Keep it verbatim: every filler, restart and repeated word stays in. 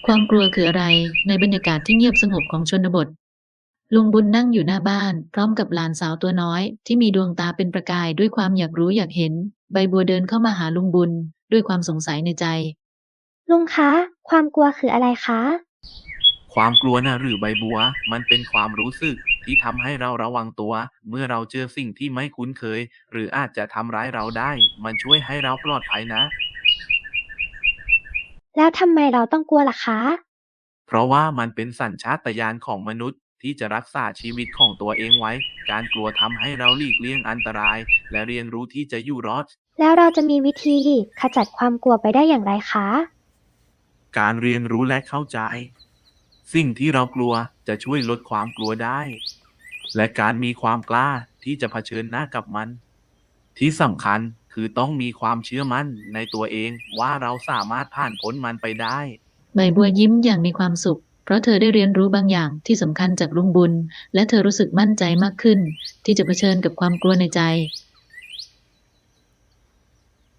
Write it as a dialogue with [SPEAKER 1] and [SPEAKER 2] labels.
[SPEAKER 1] ความกลัวคืออะไรในบรรยากาศที่เงียบสงบของชนบทลุงบุญนั่งอยู่หน้าบ้านพร้อมกับหลานสาวตัวน้อยที่มีดวงตาเป็นประกายด้วยความอยากรู้อยากเห็นใบบัวเดินเข้ามาหาลุงบุญด้วยความสงสัยในใจ
[SPEAKER 2] ลุงคะ ความกลัวคืออะไรคะ
[SPEAKER 3] ความกลัวนะหรือใบบัวมันเป็นความรู้สึกที่ทำให้เราระวังตัวเมื่อเราเจอสิ่งที่ไม่คุ้นเคยหรืออาจจะทำร้ายเราได้มันช่วยให้เราปลอดภัยนะ
[SPEAKER 2] แล้วทำไมเราต้องกลัวล่ะคะ
[SPEAKER 3] เพราะว่ามันเป็นสัญชาตญาณของมนุษย์ที่จะรักษาชีวิตของตัวเองไว้การกลัวทำให้เราหลีกเลี่ยงอันตรายและเรียนรู้ที่จะอยู่รอด
[SPEAKER 2] แล้วเราจะมีวิธีขจัดความกลัวไปได้อย่างไรคะ
[SPEAKER 3] การเรียนรู้และเข้าใจสิ่งที่เรากลัวจะช่วยลดความกลัวได้และการมีความกล้าที่จะเผชิญหน้ากับมัน ที่สำคัญคือต้องมีความเชื่อมั่นในตัวเองว่าเราสามารถผ่านพ้นมันไปได้
[SPEAKER 1] ใบบัวยิ้มอย่างมีความสุขเพราะเธอได้เรียนรู้บางอย่างที่สำคัญจากลุงบุญและเธอรู้สึกมั่นใจมากขึ้นที่จะเผชิญกับความกลัวในใจ